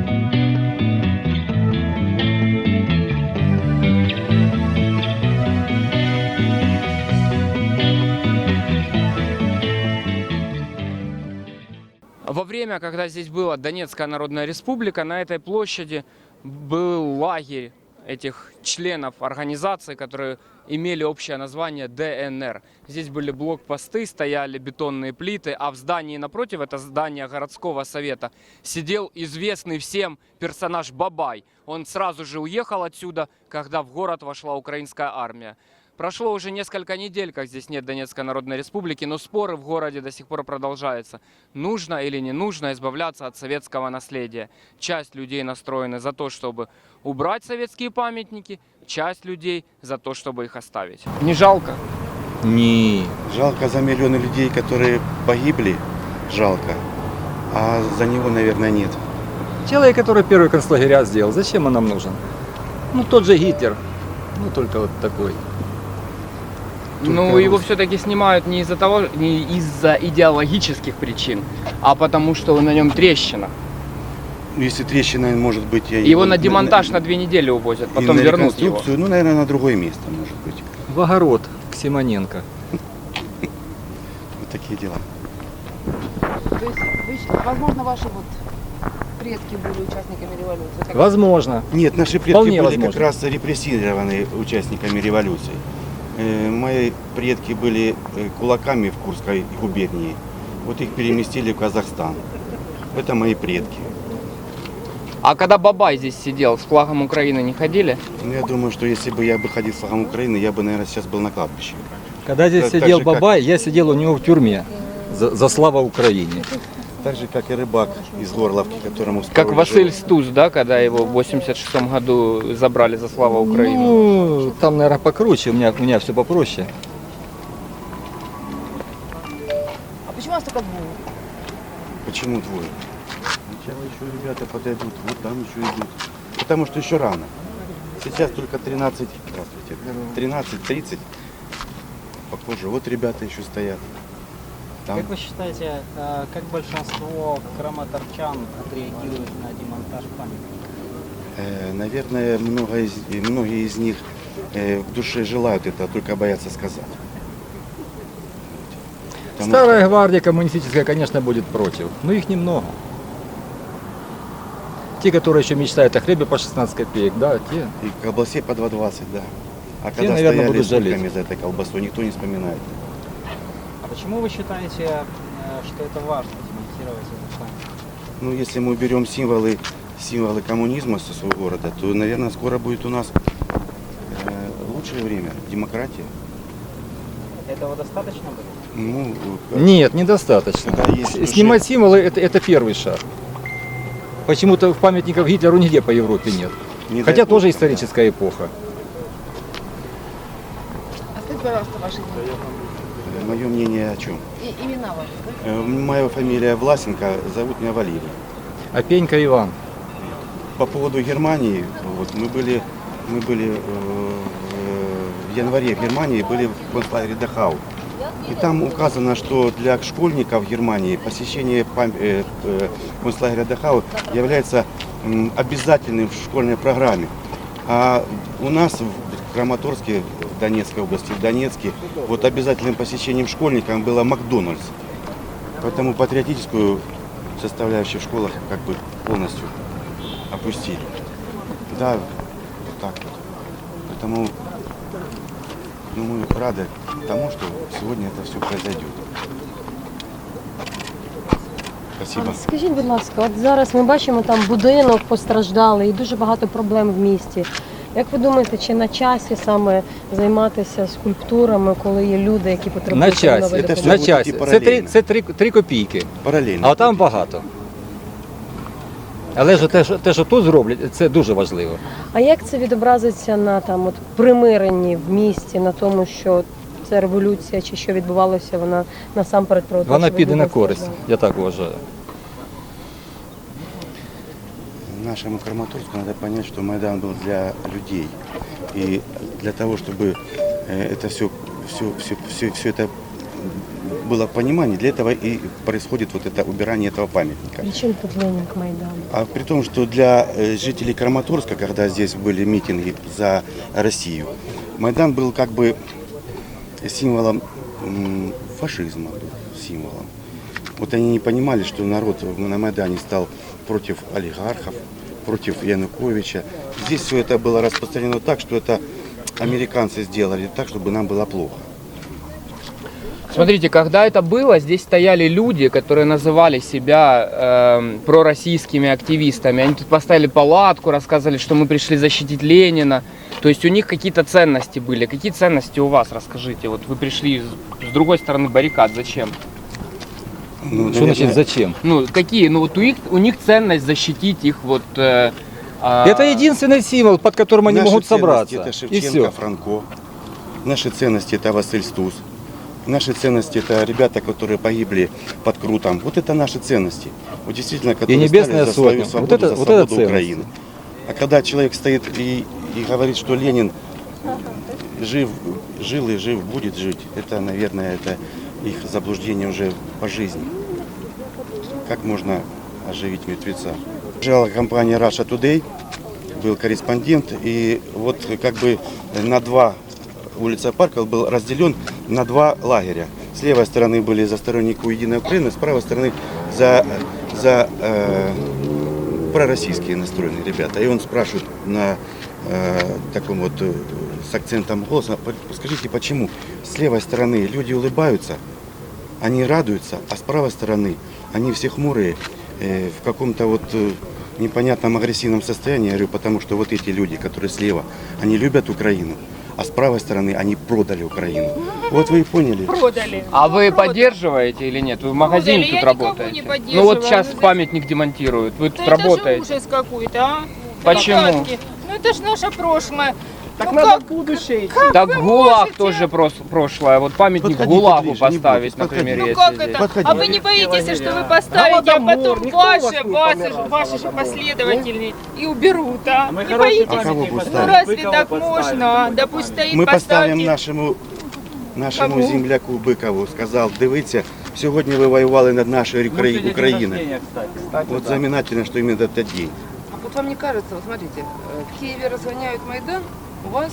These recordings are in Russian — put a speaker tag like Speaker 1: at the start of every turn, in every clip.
Speaker 1: Во время, когда здесь была Донецкая Народная Республика, на этой площади был лагерь этих членов организации, которые имели общее название ДНР. Здесь были блокпосты, стояли бетонные плиты, а в здании напротив, это здание городского совета, сидел известный всем персонаж Бабай. Он сразу же уехал отсюда, когда в город вошла украинская армия. Прошло уже несколько недель, как здесь нет Донецкой Народной Республики, но споры в городе до сих пор продолжаются. Нужно или не нужно избавляться от советского наследия. Часть людей настроены за то, чтобы убрать советские памятники, часть людей за то, чтобы их оставить. Не жалко?
Speaker 2: Не.
Speaker 3: Жалко за миллионы людей, которые погибли, жалко. А за него, наверное, нет.
Speaker 2: Человек, который первый концлагеря сделал, зачем он нам нужен? Ну, тот же Гитлер, ну, только вот такой.
Speaker 1: Ну, его все-таки снимают не из-за идеологических причин, а потому что на нем трещина.
Speaker 3: Если трещина, может быть...
Speaker 1: Его на демонтаж на 2 недели увозят, потом
Speaker 3: на
Speaker 1: вернут его.
Speaker 3: Ну, наверное, на другое место, может быть.
Speaker 2: В огород к Симоненко.
Speaker 3: Вот такие дела.
Speaker 4: То есть, возможно, ваши вот предки были участниками революции? Так?
Speaker 2: Возможно.
Speaker 3: Нет, наши предки
Speaker 2: Вполне
Speaker 3: были
Speaker 2: возможно.
Speaker 3: как раз репрессированы участниками революции. Мои предки были кулаками в Курской губернии. Вот их переместили в Казахстан. Это мои предки.
Speaker 1: А когда Бабай здесь сидел, с флагом Украины не ходили?
Speaker 3: Ну, я думаю, что если бы я бы ходил с флагом Украины, я бы, наверное, сейчас был на кладбище.
Speaker 2: Когда здесь
Speaker 3: Так
Speaker 2: сидел
Speaker 3: же, как-
Speaker 2: Бабай, я сидел у него в тюрьме за славу Украине.
Speaker 3: Так же, как и рыбак из Горловки, которому...
Speaker 1: Как
Speaker 3: второй
Speaker 1: Василь
Speaker 3: живот.
Speaker 1: Стус, да, когда его в 86 году забрали за славу Украины?
Speaker 2: Ну, там, наверное, покруче, у меня все попроще.
Speaker 4: А почему у вас только двое?
Speaker 3: Почему двое? Сначала еще ребята подойдут, вот там еще идут. Потому что еще рано. Сейчас только 13, здравствуйте, 13:30. Попозже. Вот ребята еще стоят. Там.
Speaker 5: Как вы считаете, как большинство краматорчан отреагируют на демонтаж памятника?
Speaker 3: Наверное, многие из них в душе желают это, только боятся сказать. Потому
Speaker 2: Старая гвардия коммунистическая, конечно, будет против, но их немного. Те, которые еще мечтают о хлебе по 16 копеек, да, те.
Speaker 3: И колбасе по 2,20, да. А
Speaker 2: Те,
Speaker 3: когда
Speaker 2: наверное,
Speaker 3: стояли
Speaker 2: будут жалеть.
Speaker 3: сутками за этой колбасой, никто не вспоминает.
Speaker 5: А почему вы считаете, что это важно, демонтировать этот памятник?
Speaker 3: Ну, если мы уберем символы коммунизма со своего города, то, наверное, скоро будет у нас лучшее время, демократия.
Speaker 5: Этого достаточно будет?
Speaker 3: Ну,
Speaker 2: Нет, недостаточно.
Speaker 3: Когда есть в душе-
Speaker 2: Снимать символы это первый шаг. Почему-то в памятниках Гитлеру нигде по Европе нет.
Speaker 3: не
Speaker 2: Хотя
Speaker 3: дай бог,
Speaker 2: тоже историческая эпоха.
Speaker 4: А скажите, пожалуйста, ваши имена.
Speaker 3: Мое мнение о чем?
Speaker 4: И имена ваши, да?
Speaker 3: Моя фамилия Власенко, зовут меня Валерий.
Speaker 2: А Пенька Иван.
Speaker 3: По поводу Германии, вот, мы были в январе в Германии, были в концлагере Дахау. И там указано, что для школьников Германии посещение концлагеря Дахау является обязательным в школьной программе. А у нас в Краматорске, в Донецкой области, в Донецке, вот обязательным посещением школьникам было Макдональдс. Поэтому патриотическую составляющую в школах как бы полностью опустили. Да, вот так вот. Поэтому мы рады тому, что сегодня это все произойдет. Спасибо.
Speaker 6: Скажіть, будь ласка, от зараз ми бачимо там будинок постраждалий і дуже багато проблем в місті. Як ви думаєте, чи на часі саме займатися скульптурами, коли є люди, які
Speaker 2: На
Speaker 6: потребують
Speaker 2: часі,
Speaker 6: нової
Speaker 3: Це
Speaker 6: допомоги?
Speaker 3: все
Speaker 2: на
Speaker 3: буде
Speaker 2: часі.
Speaker 3: йти
Speaker 2: Це
Speaker 3: паралельно.
Speaker 2: 3 копійки,
Speaker 3: Паралельно.
Speaker 2: а там багато. Але ж те, що тут зроблять, це дуже важливо.
Speaker 6: А як це відобразиться на там от примиренні в місті, на тому, що ця революція чи що відбувалося, вона насамперед про те,
Speaker 2: Вона
Speaker 6: щоб
Speaker 2: піде
Speaker 6: люди
Speaker 2: на користь,
Speaker 6: страждали?
Speaker 2: я так вважаю.
Speaker 3: Нашему Краматорску надо понять, что Майдан был для людей. И для того, чтобы это все это было понимание, для этого и происходит вот это убирание этого памятника.
Speaker 6: При чому тут Ленін к Майдану?
Speaker 3: А при том, что для жителей Краматорска, когда здесь были митинги за Россию, Майдан был как бы символом фашизма, символом. Вот они не понимали, что народ на Майдане стал против олигархов, против Януковича. Здесь все это было распространено так, что это американцы сделали так, чтобы нам было плохо.
Speaker 1: Смотрите, когда это было, здесь стояли люди, которые называли себя пророссийскими активистами. Они тут поставили палатку, рассказывали, что мы пришли защитить Ленина. То есть у них какие-то ценности были. Какие ценности у вас, расскажите? Вот вы пришли с другой стороны баррикад, зачем?
Speaker 3: Ну,
Speaker 2: Что значит зачем?
Speaker 1: Ну, какие? Ну, вот у них ценность защитить их вот...
Speaker 2: Это единственный символ, под которым они
Speaker 3: наши
Speaker 2: могут
Speaker 3: ценности
Speaker 2: собраться.
Speaker 3: это
Speaker 2: И
Speaker 3: Шевченко,
Speaker 2: все.
Speaker 3: Франко. Наши ценности это Василь Стус. Наши ценности это ребята, которые погибли под Крутом. Вот это наши ценности. Вот действительно, которые
Speaker 2: Небесная
Speaker 3: стали за свою
Speaker 2: Сотня.
Speaker 3: свободу,
Speaker 2: Вот это-
Speaker 3: за
Speaker 2: вот
Speaker 3: свободу
Speaker 2: это ценности.
Speaker 3: Украины. А когда человек стоит и говорит, что Ленин жил и жив, будет жить, это, наверное, это их заблуждение уже по жизни. Как можно оживить мертвеца? Приезжала компания Russia Today, был корреспондент, и вот как бы на два улица Парков был разделен на два лагеря. С левой стороны были за сторонников Единой Украины, с правой стороны за пророссийские настроенные ребята. И он спрашивает на таком вот с акцентом голоса: скажите, почему с левой стороны люди улыбаются, они радуются, а с правой стороны они все хмурые, в каком-то вот непонятном агрессивном состоянии. Я говорю, потому что вот эти люди, которые слева, они любят Украину, а с правой стороны они продали Украину. Вот вы и поняли.
Speaker 7: Продали.
Speaker 1: А вы поддерживаете или нет? Вы в магазине
Speaker 7: Продали.
Speaker 1: тут
Speaker 7: Я никого
Speaker 1: работаете?
Speaker 7: не
Speaker 1: Ну
Speaker 7: поддерживаю.
Speaker 1: вот сейчас
Speaker 7: Ну,
Speaker 1: памятник демонтируют. Вы тут
Speaker 7: Да это же
Speaker 1: работаете.
Speaker 7: ужас какой-то, а?
Speaker 1: Почему?
Speaker 7: Ребятки, ну это же наше прошлое.
Speaker 5: Так
Speaker 7: ну
Speaker 5: надо
Speaker 7: как?
Speaker 5: будущее идти.
Speaker 1: Так
Speaker 7: вы
Speaker 1: ГУЛАГ
Speaker 7: можете?
Speaker 1: тоже прошлое. Вот памятник
Speaker 3: Подходите
Speaker 1: ГУЛАГу
Speaker 3: ближе, не
Speaker 1: поставить,
Speaker 3: бойтесь,
Speaker 1: например,
Speaker 3: подходите.
Speaker 7: Ну
Speaker 1: если
Speaker 7: как
Speaker 1: здесь.
Speaker 7: это?
Speaker 3: Подходите.
Speaker 7: А вы не боитесь, что вы поставите, а
Speaker 5: Голодомор,
Speaker 7: потом
Speaker 5: никто у вас не
Speaker 7: ваши же последователи и уберут, а?
Speaker 5: Мы
Speaker 7: Не
Speaker 5: хороший
Speaker 7: боитесь?
Speaker 3: А кого
Speaker 5: памятник
Speaker 3: будут
Speaker 7: Ну
Speaker 3: ставить?
Speaker 7: разве
Speaker 5: Быкову
Speaker 7: так
Speaker 5: подставим.
Speaker 7: можно? Да пусть стоит,
Speaker 3: Ми поставимо
Speaker 7: поставьте.
Speaker 3: нашому
Speaker 7: Кому?
Speaker 3: земляку Бикову. Сказав, дивіться, сьогодні ви воювали над нашою
Speaker 5: Ну, сегодня день
Speaker 3: Україною.
Speaker 5: рождения, кстати,
Speaker 3: Вот
Speaker 5: да.
Speaker 3: знаменательно, что именно этот день.
Speaker 4: А вот вам не кажется, вот смотрите, в Киеве разгоняют Майдан, у вас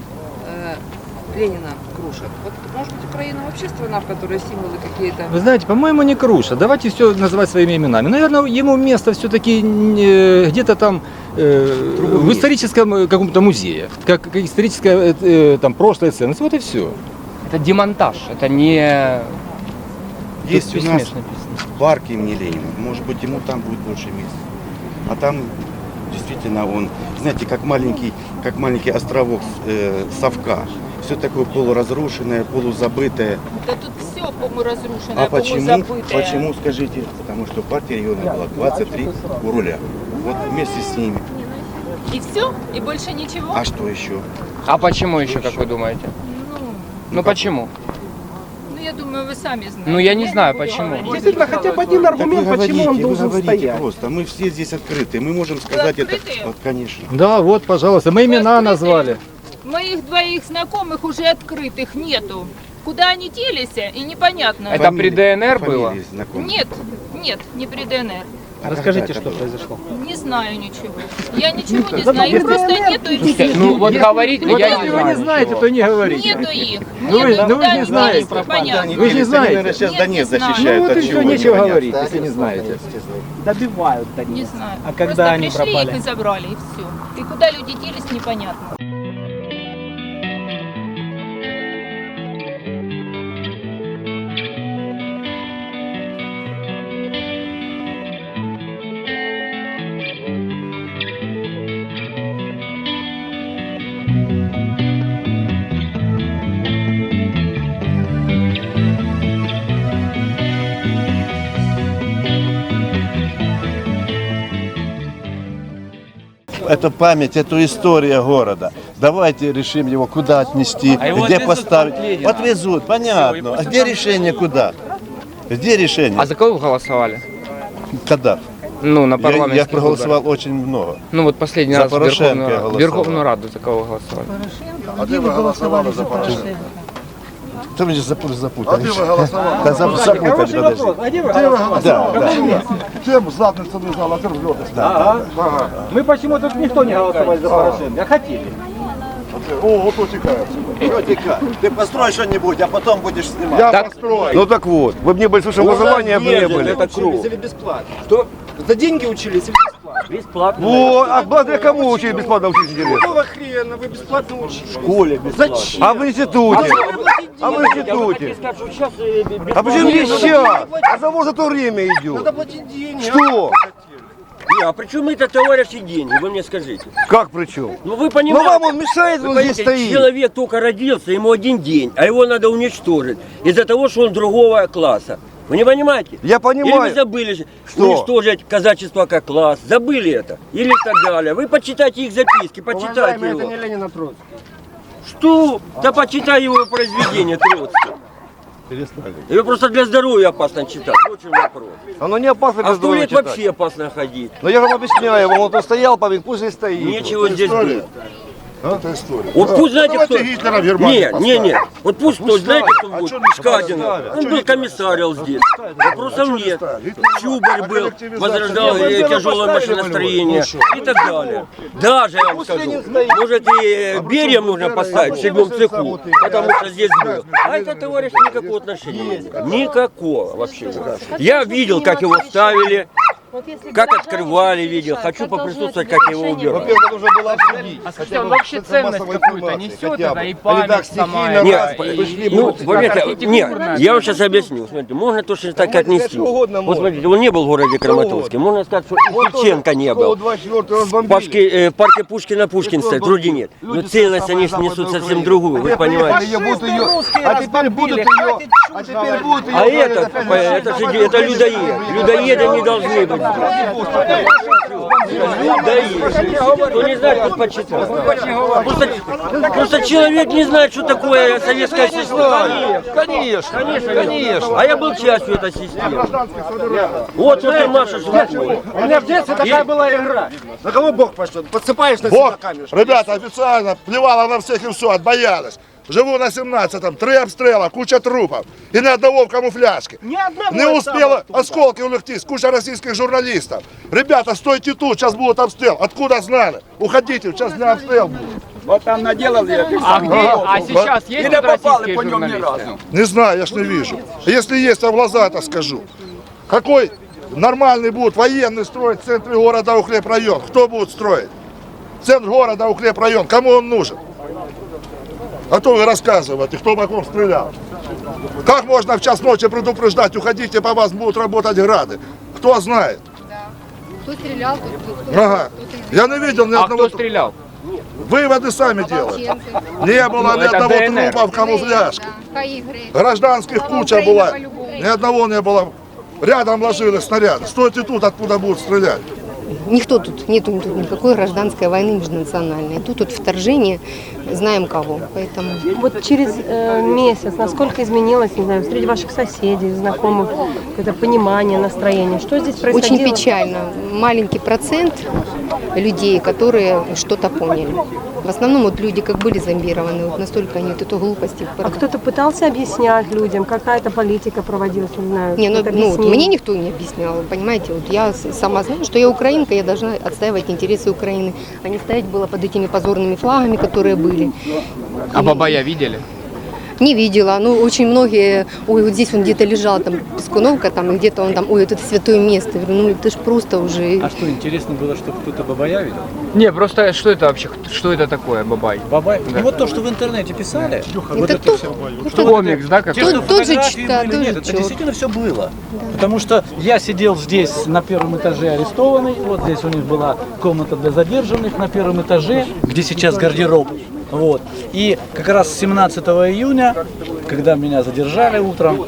Speaker 4: Ленина крушат. Вот может быть Украина вообще страна, в которой символы какие-то...
Speaker 2: Вы знаете, по-моему, не крушат. Давайте все называть своими именами. Наверное, ему место все-таки где-то там в историческом каком-то музее, как историческая там прошлая ценность. Вот и все.
Speaker 1: Это демонтаж, это не...
Speaker 3: Есть
Speaker 1: Тут
Speaker 3: у нас
Speaker 1: смешно написано.
Speaker 3: парк имени Ленина. Может быть, ему там будет больше места. А там действительно он, знаете, как маленький островок совка. Все такое полуразрушенное, полузабытое.
Speaker 7: Да тут все, по-моему, разрушено,
Speaker 3: А
Speaker 7: по-моему,
Speaker 3: почему?
Speaker 7: забытое.
Speaker 3: Почему, скажите? Потому что партия региона была 23 у руля. Вот вместе с ними.
Speaker 7: И все? И больше ничего?
Speaker 3: А что еще?
Speaker 1: А почему еще, как вы думаете? Ну почему?
Speaker 7: Ну, я думаю, вы сами знаете.
Speaker 1: Ну я не знаю
Speaker 7: буду
Speaker 1: почему.
Speaker 7: говорить.
Speaker 5: Действительно, хотя бы один
Speaker 3: Так
Speaker 5: аргумент,
Speaker 3: вы
Speaker 5: почему он
Speaker 3: говорите, вы
Speaker 5: должен
Speaker 3: говорите
Speaker 5: стоять.
Speaker 3: просто. Мы все здесь открыты. Мы можем сказать это.
Speaker 7: открытые?
Speaker 3: Вот, конечно.
Speaker 2: Да, вот, пожалуйста, мы имена
Speaker 7: Открытые.
Speaker 2: назвали.
Speaker 7: Моих двоих знакомых уже открытых нету. Куда они делись, и непонятно.
Speaker 1: Это при ДНР было?
Speaker 3: Фамилии знакомые.
Speaker 7: Нет, не при ДНР.
Speaker 3: А
Speaker 5: Расскажите,
Speaker 3: когда
Speaker 5: что
Speaker 3: это было?
Speaker 5: произошло.
Speaker 7: Не знаю ничего. Я ничего не знаю. Их просто нету.
Speaker 1: Слушайте, ну вот говорить,
Speaker 2: Вот
Speaker 1: я
Speaker 2: если
Speaker 1: не
Speaker 2: вы не
Speaker 1: знаю.
Speaker 2: знаете, то не говорите.
Speaker 7: Нету их.
Speaker 2: Ну вы-
Speaker 7: Нету,
Speaker 2: ну вы
Speaker 7: куда
Speaker 2: не
Speaker 7: они
Speaker 2: знаете.
Speaker 7: делись, непонятно.
Speaker 2: Вы же не знаете.
Speaker 3: Наверное, сейчас
Speaker 7: Нет,
Speaker 3: Донец
Speaker 7: не знаю.
Speaker 3: защищают.
Speaker 2: Ну вот
Speaker 3: от
Speaker 2: и все,
Speaker 3: чего,
Speaker 2: нечего
Speaker 3: непонятно.
Speaker 2: говорить, если не знаете.
Speaker 5: Добивают Донец.
Speaker 7: Не знаю.
Speaker 5: А когда
Speaker 7: Просто
Speaker 5: они
Speaker 7: пришли
Speaker 5: пропали?
Speaker 7: их и забрали, и все. И куда люди делись, непонятно.
Speaker 8: Это память, это история города. Давайте решим его, куда отнести,
Speaker 1: его
Speaker 8: где
Speaker 1: отвезут
Speaker 8: поставить.
Speaker 1: в Ленина.
Speaker 8: Отвезут, понятно. А где решение, куда? Где решение?
Speaker 1: А за кого вы голосовали?
Speaker 8: Когда?
Speaker 1: Ну, на
Speaker 8: Я
Speaker 1: парламентских
Speaker 8: проголосовал очень много.
Speaker 1: выборах. Ну вот последний
Speaker 8: За
Speaker 1: раз в
Speaker 8: Порошенко я
Speaker 1: Верховную,
Speaker 8: голосовал.
Speaker 1: Верховную Раду за кого вы голосовали?
Speaker 8: А ты вы голосовали за Порошенко? Ты меня запутали. Да, запутали, подожди.
Speaker 2: А где вы голосовали?
Speaker 8: Да.
Speaker 9: Всем задницу лежал, а ты взлетаешь.
Speaker 2: Ага. Мы почему тут никто не голосовали за Порошенко, а хотели.
Speaker 9: О, вот утекает.
Speaker 8: Ты построй что-нибудь, а потом будешь снимать.
Speaker 9: Я построю.
Speaker 3: Ну так вот, вы мне большое образование не были.
Speaker 2: Это круг. Бесплатно. Что? За деньги учились или бесплатно?
Speaker 5: Бесплатно.
Speaker 3: Вот, а благодаря кому учили бесплатно учить интересно?
Speaker 2: Какого хрена вы бесплатно учились?
Speaker 8: В школе бесплатно.
Speaker 2: Зачем?
Speaker 3: А в институте? А в институте? А почему не сейчас? А за может то время идет.
Speaker 2: Надо платить деньги.
Speaker 3: Что?
Speaker 10: Не, а при чем это товарищи деньги, вы мне скажите?
Speaker 3: Как причем?
Speaker 10: Ну вы
Speaker 3: Ну
Speaker 10: понимаете,
Speaker 3: вам он мешает, он здесь стоит.
Speaker 10: человек только родился, ему один день, а его надо уничтожить из-за того, что он другого класса. Вы не понимаете?
Speaker 3: Я
Speaker 10: Или вы
Speaker 3: понимаю.
Speaker 10: забыли
Speaker 3: Что?
Speaker 10: уничтожить казачество как класс, забыли это, или так далее. Вы почитайте их записки, почитайте его.
Speaker 2: это не Ленина Троцкий.
Speaker 10: Что? Да почитай его произведение Троцкого.
Speaker 8: Перестали.
Speaker 10: Его просто для здоровья опасно читать. Вот в чем вопрос.
Speaker 3: Оно не опасно
Speaker 10: А
Speaker 3: без
Speaker 10: в туалет
Speaker 3: читать.
Speaker 10: вообще опасно ходить.
Speaker 3: Но я вам объясняю, вот он стоял, память, пусть и стоит.
Speaker 10: Нечего здесь быть.
Speaker 9: Это история.
Speaker 10: Вот пусть знаете,
Speaker 9: Давайте
Speaker 10: кто...
Speaker 9: Гитлера в Германию
Speaker 10: Не. Вот пусть кто, знаете, кто
Speaker 9: А
Speaker 10: будет?
Speaker 9: чё не
Speaker 10: Шкадин.
Speaker 9: ставят?
Speaker 10: Он был комиссарил здесь. Вопросов нет.
Speaker 9: ставят?
Speaker 10: Чубарь
Speaker 9: А
Speaker 10: был,
Speaker 9: коллективизация?
Speaker 10: возрождал
Speaker 9: Нет,
Speaker 10: тяжелое машиностроение и так далее. Даже, я вам скажу, может и Берия нужно поставить в седьмом цеху, потому что здесь был. А это, товарищ, никакого отношения не имеет. Никакого вообще. Я видел, как его ставили.
Speaker 6: Вот если
Speaker 10: Как
Speaker 6: гражданский
Speaker 10: открывали, видел.
Speaker 6: решает,
Speaker 10: Хочу
Speaker 6: как должно
Speaker 10: поприсутствовать,
Speaker 6: это
Speaker 10: как его
Speaker 6: решение
Speaker 10: убирать.
Speaker 3: Во-первых, нужно было обсудить.
Speaker 1: А скажите, он вообще ценность какую-то несет, это и память сама,
Speaker 10: Нет,
Speaker 1: и
Speaker 10: ну,
Speaker 1: как
Speaker 10: поверьте,
Speaker 1: архитектурная.
Speaker 10: нет, я вам сейчас объясню. Смотрите, можно точно так отнести.
Speaker 3: что угодно
Speaker 10: Вот
Speaker 3: можно.
Speaker 10: смотрите, он не был в городе Краматорске. Можно сказать, что и Шевченко не был. В парке Пушкина Пушкин стоит, вроде нет. Но целость они несут совсем другую, вы понимаете.
Speaker 3: А теперь будут ее. А теперь будут ее.
Speaker 10: А это людоед. Людоеды не должны быть. Людоед. Кто не знает, как почитать. Просто человек не знает, что такое советская система. Конечно. А я был частью этой системы. Вот смотри, Маша, что такое.
Speaker 2: У меня в детстве такая была игра. На кого Бог пошлет? Подсыпаешь на себя
Speaker 9: Бог,
Speaker 2: камешек.
Speaker 9: ребята, официально плевала на всех и все, отбоялась. Живу на 17-м, 3 обстрела, куча трупов. И ни одного в камуфляжке. Не успела осколки улегтись, куча российских журналистов. Ребята, стойте тут, сейчас будет обстрел. Откуда знали? Уходите, сейчас не обстрел будет.
Speaker 2: Вот там наделали.
Speaker 1: А где? А сейчас есть тут российские журналисты?
Speaker 9: Не знаю, я ж не вижу. Если есть, я в глаза это скажу. Какой нормальный будет военный строить в центре города укрепрайон? Кто будет строить? Центр города укрепрайон, кому он нужен? А то вы рассказываете, кто вокруг стрелял. Как можно в час ночи предупреждать, уходите, по вас будут работать грады? Кто знает?
Speaker 4: Кто стрелял, кто
Speaker 9: Ага. Я не видел ни
Speaker 1: А
Speaker 9: одного.
Speaker 1: кто стрелял?
Speaker 9: Выводы сами делаете. Не было ни
Speaker 1: это
Speaker 9: одного
Speaker 1: ДНР.
Speaker 9: трупа в камуфляжке.
Speaker 4: Каигры.
Speaker 9: Гражданских куча была. Ни одного не было. Рядом ложили снаряды. Стойте тут, откуда будут стрелять.
Speaker 11: Никто тут, нету тут никакой гражданской войны межнациональной. Тут вторжение, знаем кого. Поэтому
Speaker 6: Вот через месяц, насколько изменилось, не знаю, среди ваших соседей, знакомых, какое-то понимание, настроение? Что здесь происходило?
Speaker 11: очень печально. Маленький процент людей, которые что-то поняли. В основном вот люди как были зомбированы, вот настолько они вот эту глупость.
Speaker 6: А кто-то пытался объяснять людям, какая-то политика проводилась, не знаю,
Speaker 11: Не, ну,
Speaker 6: какое-то
Speaker 11: вот
Speaker 6: объяснение?
Speaker 11: мне никто не объяснял, понимаете, вот я сама знаю, что я украинка, я должна отстаивать интересы Украины, а не стоять было под этими позорными флагами, которые были.
Speaker 1: А Бабая видели?
Speaker 11: Не видела, ну очень многие, ой, вот здесь он где-то лежал, там, Пескуновка, там, и где-то он там, ой, вот это святое место. Я говорю, ну это ж просто уже...
Speaker 5: А что, интересно было, что кто-то Бабая видел?
Speaker 1: Не, просто что это вообще? Что это такое, Бабай?
Speaker 5: Бабай? Ну вот то, что в интернете писали. Вот
Speaker 11: Это
Speaker 5: это
Speaker 11: то-
Speaker 5: все.
Speaker 11: это-
Speaker 1: Комикс, да,
Speaker 5: Те,
Speaker 1: какой-то?
Speaker 5: что
Speaker 11: Тот же
Speaker 5: фотографии
Speaker 11: читал,
Speaker 5: были,
Speaker 11: тот
Speaker 5: нет,
Speaker 11: же
Speaker 5: это
Speaker 11: чёрт.
Speaker 5: действительно все было. Потому что я сидел здесь на первом этаже арестованный, вот здесь у них была комната для задержанных на первом этаже, где сейчас гардероб. Вот. И как раз 17 июня, когда меня задержали утром,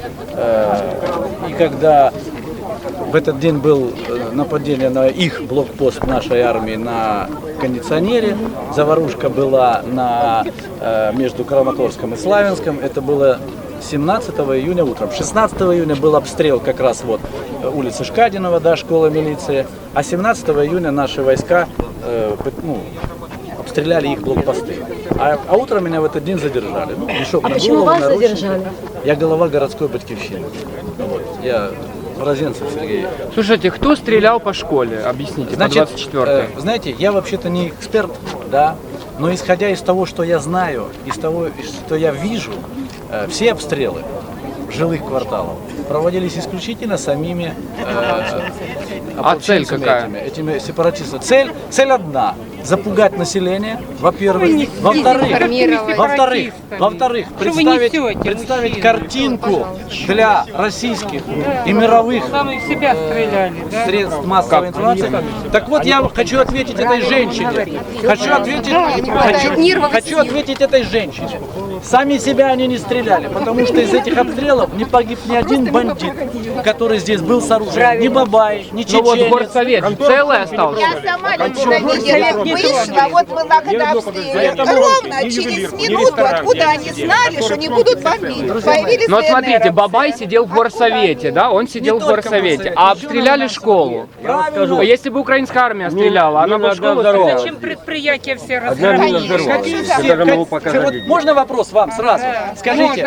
Speaker 5: и когда в этот день был нападение на их блокпост нашей армии на кондиционере, заварушка была между Краматорском и Славянском, это было 17 июня утром. 16 июня был обстрел как раз вот улицы Шкадинова, да, школа милиции, а 17 июня наши войска обстреляли их блокпосты. А утром меня в этот день задержали. Ну, мешок
Speaker 6: А
Speaker 5: на
Speaker 6: почему
Speaker 5: голову,
Speaker 6: вас
Speaker 5: наручники.
Speaker 6: задержали?
Speaker 5: Я глава городской батькивщины. Вот. Я Розенцев Сергей.
Speaker 1: Слушайте, кто стрелял по школе? Объясните,
Speaker 5: Значит,
Speaker 1: по 24-й.
Speaker 5: знаете, я вообще-то не эксперт, да, но исходя из того, что я знаю, из того, что я вижу, все обстрелы жилых кварталов проводились исключительно самими
Speaker 1: А цель
Speaker 5: ополченцами
Speaker 1: какая?
Speaker 5: этими сепаратистами. Цель одна – запугать население, во-первых. Во-вторых, представить картинку для российских и мировых средств массовой информации. Так вот, я хочу ответить этой женщине. Хочу ответить этой женщине. Сами себя они не стреляли, потому что из этих обстрелов не погиб ни один бандит, который здесь был с оружием. Ни бабай, ни
Speaker 1: Ну вот
Speaker 5: чеченец.
Speaker 1: горсовет целый остался.
Speaker 12: Я сама лично видела, вышла, вот была когда обстреляли. Ровно через минуту, откуда они знали, что не будут бомбить. Появились
Speaker 1: Но вот смотрите,
Speaker 12: ДНРовцы.
Speaker 1: Бабай сидел в горсовете, да, он сидел в горсовете, а обстреляли школу. Если бы украинская армия стреляла, она бы школу стреляла.
Speaker 7: Зачем предприятия все
Speaker 10: Одна мина взорвалась. Я даже могу показать.
Speaker 5: Вот можно вопрос вам сразу? Скажите,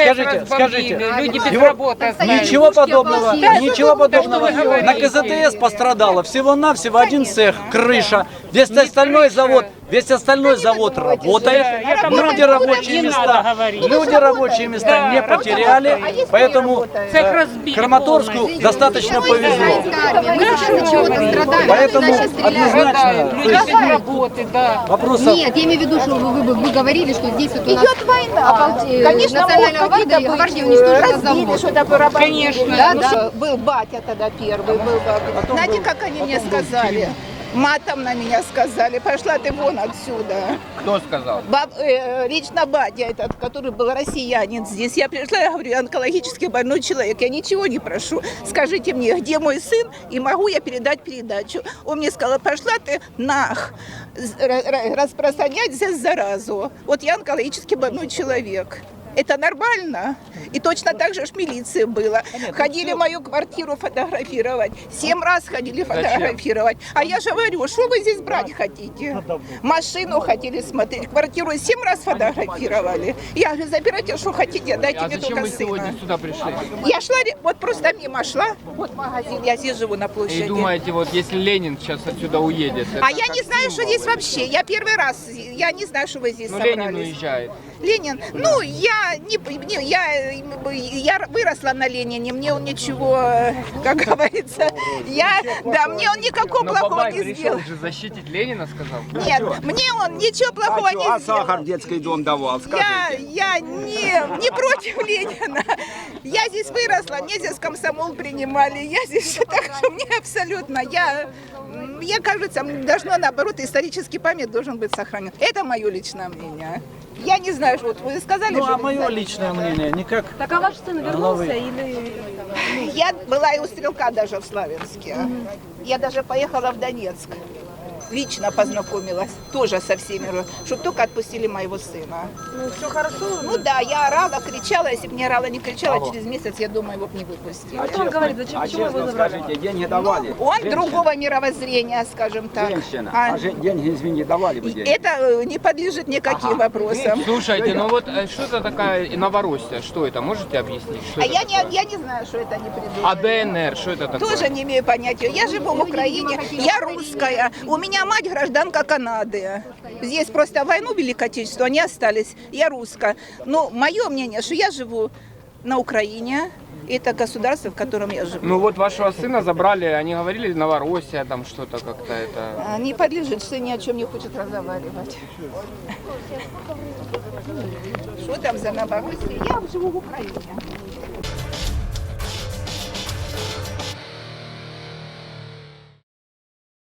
Speaker 7: люди без
Speaker 5: его-
Speaker 7: работы остались.
Speaker 5: Ничего подобного, ничего подобного.
Speaker 7: что вы говорите?
Speaker 5: На КЗТС пострадало всего-навсего один цех, крыша. Весь остальной завод работает. Люди рабочие места не потеряли, поэтому Краматорску достаточно повезло.
Speaker 11: Мы сейчас от чего-то страдаем.
Speaker 5: Поэтому
Speaker 11: Когда сейчас стреляют.
Speaker 5: однозначно, то есть
Speaker 7: работы, да.
Speaker 5: вопросов.
Speaker 11: Нет, я имею в виду, что вы говорили, что здесь вот у нас
Speaker 12: Идет война. Конечно,
Speaker 11: национальная
Speaker 12: могут
Speaker 11: гвардия
Speaker 12: какие-то
Speaker 11: гвардия
Speaker 12: быть
Speaker 11: уничтожила
Speaker 12: разбили,
Speaker 11: завод.
Speaker 12: что-то поработали.
Speaker 7: Конечно.
Speaker 12: Да,
Speaker 11: Ну,
Speaker 12: да.
Speaker 11: что-
Speaker 12: Был батя тогда первый, был батя. Знаете, как они мне сказали? Матом на меня сказали, пошла ты вон отсюда.
Speaker 1: Кто сказал?
Speaker 12: Лично батя этот, который был россиянин здесь. Я пришла, я говорю, я онкологически больной человек, я ничего не прошу. Скажите мне, где мой сын, и могу я передать передачу. Он мне сказал, пошла ты распространять здесь заразу. Вот я онкологически больной человек. Это нормально? И точно так же в милиции было. Ходили в мою квартиру фотографировать. 7 раз ходили фотографировать. А я же говорю, что вы здесь брать хотите? Машину хотели смотреть, квартиру 7 раз фотографировали. Я говорю, забирайте, что хотите, дайте
Speaker 1: А
Speaker 12: мне
Speaker 1: зачем
Speaker 12: только
Speaker 1: вы сегодня
Speaker 12: сына.
Speaker 1: сюда пришли?
Speaker 12: Я шла, вот просто мимо шла. Вот магазин, я здесь живу на площади.
Speaker 1: И думаете, вот если Ленин сейчас отсюда уедет?
Speaker 12: А
Speaker 1: это
Speaker 12: я
Speaker 1: как
Speaker 12: не знаю, что
Speaker 1: символ
Speaker 12: здесь вообще. Я первый раз, я не знаю, что вы здесь
Speaker 1: Ну,
Speaker 12: собрались.
Speaker 1: Ленин уезжает.
Speaker 12: Ленин, ну, я выросла на Ленине, мне он ничего, как говорится, мне он никакого
Speaker 1: Но
Speaker 12: плохого
Speaker 1: Бабай
Speaker 12: не
Speaker 1: решил
Speaker 12: сделал.
Speaker 1: же защитить Ленина, сказал.
Speaker 12: Нет, мне он ничего плохого не сделал.
Speaker 10: в детский дом давал?
Speaker 12: Я не против Ленина. Я здесь выросла, мне здесь комсомол принимали, я здесь так что мне абсолютно, я кажется, должно наоборот, исторический память должен быть сохранен. Это мое личное мнение. Я не знаю, вот вы сказали,
Speaker 5: Ну,
Speaker 12: что...
Speaker 5: а
Speaker 12: вы
Speaker 5: мое
Speaker 12: знаете.
Speaker 5: личное мнение никак.
Speaker 6: Так а ваш сын вернулся или...
Speaker 12: Я была и у Стрелка даже в Славянске. Я даже поехала в Донецк. Лично познакомилась тоже со всеми, чтобы только отпустили моего сына.
Speaker 6: Ну, все хорошо?
Speaker 12: Ну да, я орала, кричала, если бы не орала, не кричала, через месяц, я думаю, его бы не выпустили.
Speaker 6: А что он говорит? Зачем, почему его забрали?
Speaker 10: деньги давали?
Speaker 12: Он другого мировоззрения, скажем так. А
Speaker 10: деньги, извини, давали бы
Speaker 12: это не подлежит никаким вопросам.
Speaker 1: Слушайте, ну вот что это такая Новороссия? Что это? Можете объяснить? Что
Speaker 12: А
Speaker 1: это
Speaker 12: я
Speaker 1: такое?
Speaker 12: не знаю, что это не придумали.
Speaker 1: А ДНР, что это такое?
Speaker 12: Тоже не имею понятия. Я живу в Украине, я русская. У меня мать гражданка Канады. Здесь просто войну Великой Отечественную, они остались. Я русская. Но мое мнение, что я живу на Украине. Это государство, в котором я живу.
Speaker 1: Ну вот вашего сына забрали, они говорили Новороссия, там что-то как-то это...
Speaker 12: Не подлежит, что ни о чем не хочет разговаривать. Что там за Новороссия? Я живу в Украине.